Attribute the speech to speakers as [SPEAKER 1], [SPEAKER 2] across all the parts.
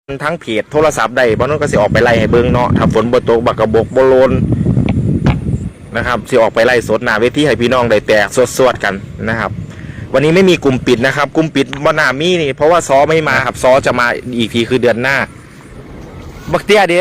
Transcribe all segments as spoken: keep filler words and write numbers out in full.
[SPEAKER 1] ทั้งเพจโทรศัพท์ได้บ้านนู้นก็สิออกไปไล่ให้เบิ้งเนาะถ้าฝนบ่ตกบักกระบกบ่โลนนะครับสิออกไปไล่สดหน้าเวทีให้พี่น้องได้แตกสวดๆกันนะครับวันนี้ไม่มีกลุ่มปิดนะครับกลุ่มปิดบ่น่ามีนี่เพราะว่าซอไม่มาครับซอจะมาอีกทีคือเดือนหน้าบักเตี้ยเด้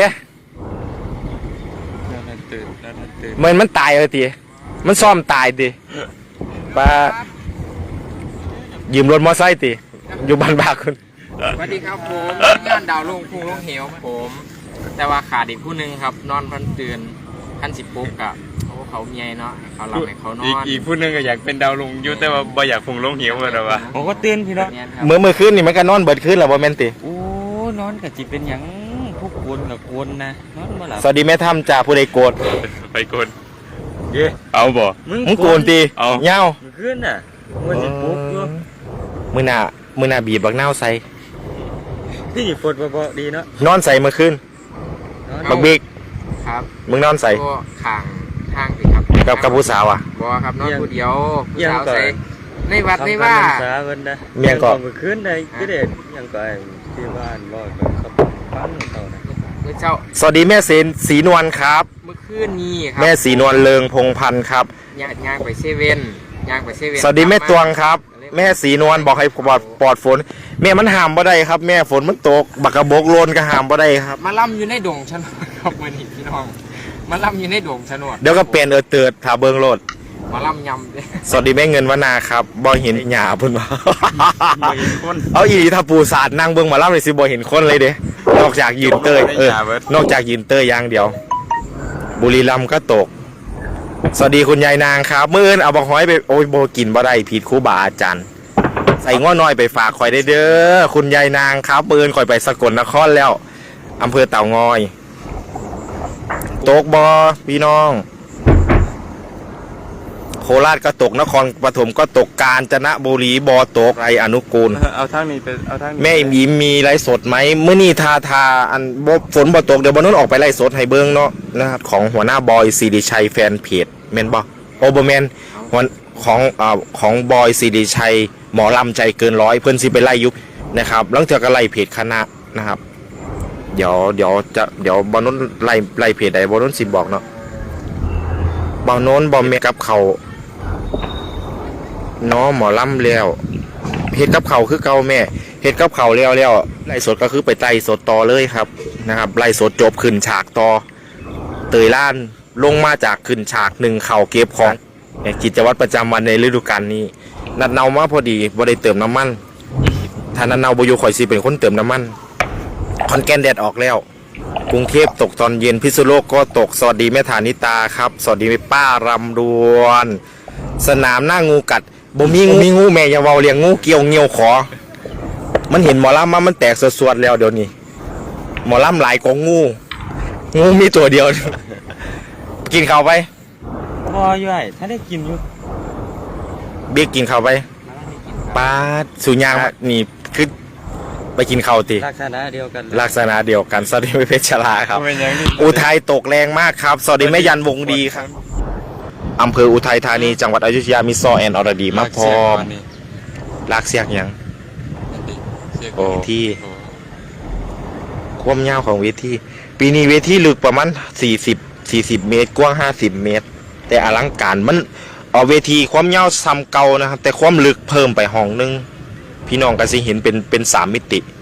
[SPEAKER 1] เหมือนมันตายเลยทีมันซ่อมตายดิป้ายืมรถมอไซค์ติอยู่บ้านบาคุณ
[SPEAKER 2] สวัสดีครับผมงานดาวลงพุ่งลงเหวผมแต่ว่าขาดอีกผู้หนึ่งครับนอนพันตื่นพันสิบปุ๊กอะเขาเขาเมียเนาะเขาหลับให้เขานอน
[SPEAKER 3] อีกผู้หนึ่งก็อยากเป็นดาวลงยุแต่ว่าบ่อยากพุ่งลงเหวกันหรอวะ
[SPEAKER 4] ผมก็ตื่นพี่น้อง
[SPEAKER 1] เมื่อเมื่อคืนนี่มันก็นอนเบิดคืนแล้วบ่แม่นติ
[SPEAKER 4] โอ้นอนกับจิเป็นอย่างพวกกวนกับกวนนะนอนมาหลับ
[SPEAKER 1] สวัสดีแม่ถ้ำจ่าผู้ใดโกรธ
[SPEAKER 3] ไปโกนเย่เอาบ่
[SPEAKER 1] มึงโกนตี
[SPEAKER 3] เอา
[SPEAKER 1] เงา
[SPEAKER 4] ขึ้นน่ะมันสิปุ๊บอยู่
[SPEAKER 1] มือหน้ามือหน้าบีบบักเน่าใส่
[SPEAKER 4] ที่ฝนบ่ดีเนาะ
[SPEAKER 1] นอนใส่เมื่อคืนบักบิ๊ก
[SPEAKER 2] ครับ
[SPEAKER 1] มึงนอนใส่
[SPEAKER 2] ก็ข้างทางสิครับ
[SPEAKER 1] กับกับผู้สาวอ่ะ
[SPEAKER 2] บ่ครับนอนผู้เดียวผู้สาวใส่ในวัดในว่า
[SPEAKER 1] เมียงก็
[SPEAKER 4] เมื่อคืนได้ก็ได้ยังก็ที่บ้านบ่ครับฟังเขานะ
[SPEAKER 2] เจ้า
[SPEAKER 1] สวัสดีแม่เสนศรีนวลครับ
[SPEAKER 2] เมื่อคืนนี้ครับ
[SPEAKER 1] แม่ศรีนวลเลิงพงพันธ์ครับ
[SPEAKER 2] ย่างย่างไปเซเว่นย่างไปเซเว่น
[SPEAKER 1] สวัสดีแม่ตวงครับแม่ศรีนวลบอกให้ปลอดปลอดฝนแม่มันห้ามบ่ได้ครับแม่ฝนมันตกบักกระบกโลนก็ห้ามบ่ได้ครับ
[SPEAKER 2] มาล่ำอยู่ในดงชนดครับวันนี้พี่น้องมาล่ำอยู่ในดงชนด
[SPEAKER 1] เดี๋ยวก็เปลี่ยนเออเติร์ดถาเบิงโลด
[SPEAKER 2] มาล่ำยำเด้
[SPEAKER 1] สวัสดีแม่เงินวนาครับบ่เห็นหญ้าเพิ่นว่าเอาอีถ้าปูสาดนั่งเบิ่งมาล่ำเลยสิบ่เห็นคนเลยเด้นอกจากยืนเตยเออนอกจากยืนเตยอย่างเดียวบุรีรัมย์ก็ตกสวัสดีคุณยายนางครับมื้ออื่นเอาบักหอยไปโอ้ยบ่กินบ่ได้ผิดครูบาอาจารย์ใส่ง้อน้อยไปฝากข่อยได้เด้อคุณยายนางครับมื้ออื่นข่อยไปสกลนครแล้วอำเภอเต่างอยตกบ่พี่น้องโคราชก็ตกนครปฐมก็ตกกาญจนบุรีบ่ตกไรอนุกูล
[SPEAKER 3] เอาทางนี้ไปเอาทาง
[SPEAKER 1] แม่มีมีไลฟ์สดไหมเมื่อนี้ทาทาอันบ่ฝนบ่ตกเดี๋ยวบอลนู้นออกไปไลฟ์สดให้เบิ้งเนาะนะครับของหัวหน้าบอยซีดีชัยแฟนเพจแมนบ่โอเบอร์แมนหัวของอ่าของบอยซีดีชัยหมอลำใจเกินร้อยเพื่อนซีไปไล่ยุบนะครับหลังจากก็ไล่เพจคณะนะครับเดี๋ยวเดี๋ยวจะเดี๋ยวบอลนู้นไล่ไล่เพจใดบอลนู้นสิบอกเนาะบอลนู้นบอลเมกับเขาน้อหมอลำแล้วเฮ็ดกับเขาคือเก่าแม่เฮ็ดกับเขาแล้วแล้วไล่สดก็คือไปไต่สดต่อเลยครับนะครับไล่สดจบขึ้นฉากต่อเตยล้านลงมาจากขึ้นฉากหนึ่งเข่าเก็บของกิจวัตรประจำวันในฤดูกาลนี้นัดเนามาพอดีบ่ได้เติมน้ำมันถ้านัดเนาบ่อยู่ข่อยสิเป็นคนเติมน้ำมันคอนแกนแดดออกแล้วกรุงเทพตกตอนเย็นพิษณุโลกก็ตกสวัสดีแม่ฐานิตาครับสวัสดีป้ารำดวนสนามหน้างูกัดบ่มีงูมีงูแม่อย่าเว้าเลี้ยงงูเกี่ยวเงียวขอมันเห็นหมอลำมามันแตกสวดๆแล้วเดี๋ยวนี้หมอลำหลายกว่างูงูมีตัวเดียวกินข้าวไป
[SPEAKER 4] พอย่อยถ้าได้กินอยู่
[SPEAKER 1] เบี้ยกินข้าวไปปาสุญญานี่คือไปกินข้าวตี
[SPEAKER 4] ลักษณะเดียวกัน
[SPEAKER 1] ลักษณะเดียวกันสวัสดีเพชรลาครับอุทัยตกแรงมากครับสวัสดีแม่ยันวงดีครับอำเภออุทัยธานีจังหวัดอยุธยามีซอแอนอรดีมาพร้อมลากเสียกยังโอ้ที่ความยาวของเวทีปีนี้เวทีลึกประมาณสี่สิบ สี่สิบเมตรกว้างห้าสิบเมตรแต่อลังการมันเอาเวทีความยาวซ้ำเก่านะครับแต่ความลึกเพิ่มไปห้องนึงพี่น้องก็สิเห็นเป็นเป็นสามมิติ